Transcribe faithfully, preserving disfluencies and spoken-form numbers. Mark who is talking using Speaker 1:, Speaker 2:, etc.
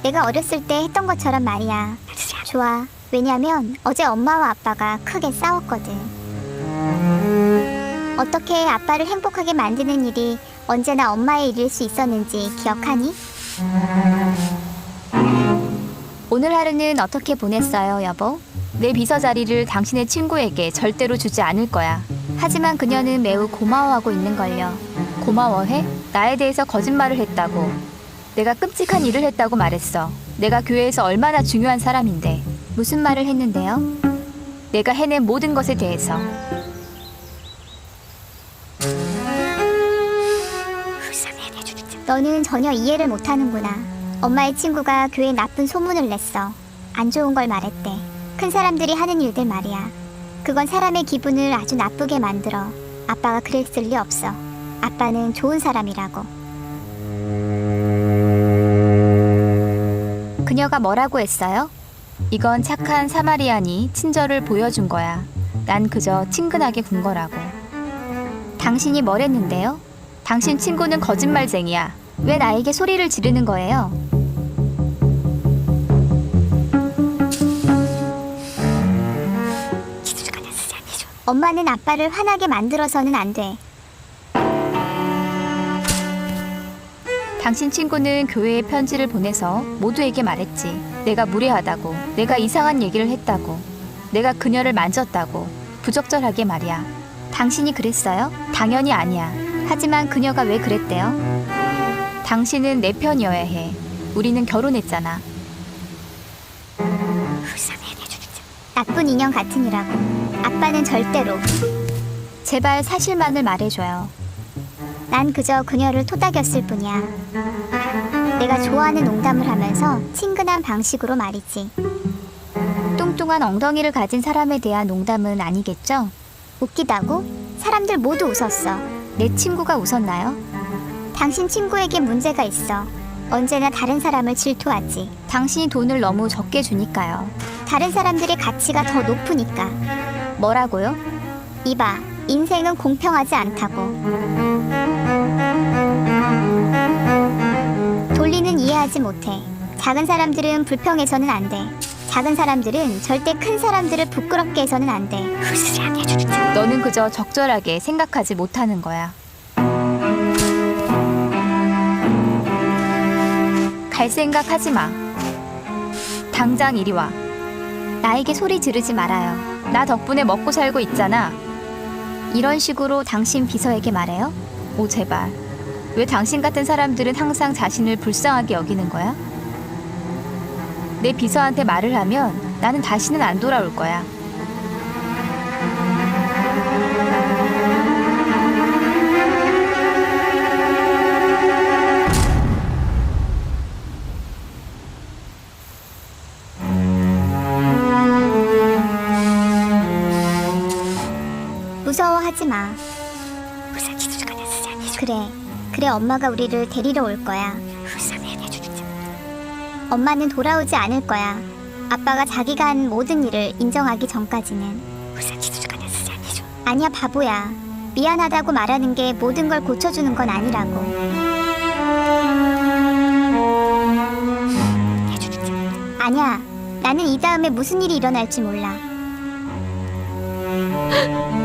Speaker 1: 내가 어렸을 때 했던 것처럼 말이야. 좋아. 왜냐면 어제 엄마와 아빠가 크게 싸웠거든. 어떻게 아빠를 행복하게 만드는 일이 언제나 엄마의 일일 수 있었는지 기억하니?
Speaker 2: 오늘 하루는 어떻게 보냈어요, 여보? 내 비서 자리를 당신의 친구에게 절대로 주지 않을 거야. 하지만 그녀는 매우 고마워하고 있는걸요. 고마워해? 나에 대해서 거짓말을 했다고. 내가 끔찍한 일을 했다고 말했어. 내가 교회에서 얼마나 중요한 사람인데. 무슨 말을 했는데요? 내가 해낸 모든 것에 대해서.
Speaker 1: 너는 전혀 이해를 못하는구나. 엄마의 친구가 교회에 나쁜 소문을 냈어. 안 좋은 걸 말했대. 큰 사람들이 하는 일들 말이야. 그건 사람의 기분을 아주 나쁘게 만들어. 아빠가 그랬을 리 없어. 아빠는 좋은 사람이라고.
Speaker 2: 그녀가 뭐라고 했어요? 이건 착한 사마리안이 친절을 보여준 거야. 난 그저 친근하게 군 거라고. 당신이 뭘 했는데요? 당신 친구는 거짓말쟁이야. 왜 나에게 소리를 지르는 거예요?
Speaker 1: 엄마는 아빠를 화나게 만들어서는 안 돼.
Speaker 2: 당신 친구는 교회에 편지를 보내서 모두에게 말했지. 내가 무례하다고, 내가 이상한 얘기를 했다고, 내가 그녀를 만졌다고, 부적절하게 말이야. 당신이 그랬어요? 당연히 아니야. 하지만 그녀가 왜 그랬대요? 당신은 내 편이어야 해. 우리는 결혼했잖아.
Speaker 1: 나쁜 인형 같으니라고. 아빠는 절대로.
Speaker 2: 제발 사실만을 말해줘요.
Speaker 1: 난 그저 그녀를 토닥였을 뿐이야. 내가 좋아하는 농담을 하면서 친근한 방식으로 말이지.
Speaker 2: 뚱뚱한 엉덩이를 가진 사람에 대한 농담은 아니겠죠?
Speaker 1: 웃기다고? 사람들 모두 웃었어.
Speaker 2: 내 친구가 웃었나요?
Speaker 1: 당신 친구에게 문제가 있어. 언제나 다른 사람을 질투하지.
Speaker 2: 당신이 돈을 너무 적게 주니까요.
Speaker 1: 다른 사람들의 가치가 더 높으니까.
Speaker 2: 뭐라고요?
Speaker 1: 이봐, 인생은 공평하지 않다고. 돌리는 이해하지 못해. 작은 사람들은 불평해서는 안 돼. 작은 사람들은 절대 큰 사람들을 부끄럽게 해서는 안 돼.
Speaker 2: 너는 그저 적절하게 생각하지 못하는 거야. 갈 생각 하지 마. 당장 이리 와. 나에게 소리 지르지 말아요. 나 덕분에 먹고 살고 있잖아. 이런 식으로 당신 비서에게 말해요? 오, 제발. 왜 당신 같은 사람들은 항상 자신을 불쌍하게 여기는 거야? 내 비서한테 말을 하면 나는 다시는 안 돌아올 거야.
Speaker 1: 무서워하지 마. 그래, 그래 엄마가 우리를 데리러 올 거야. 엄마는 돌아오지 않을 거야. 아빠가 자기가 한 모든 일을 인정하기 전까지는. 아니야 바보야. 미안하다고 말하는 게 모든 걸 고쳐주는 건 아니라고. 아니야. 나는 이 다음에 무슨 일이 일어날지 몰라.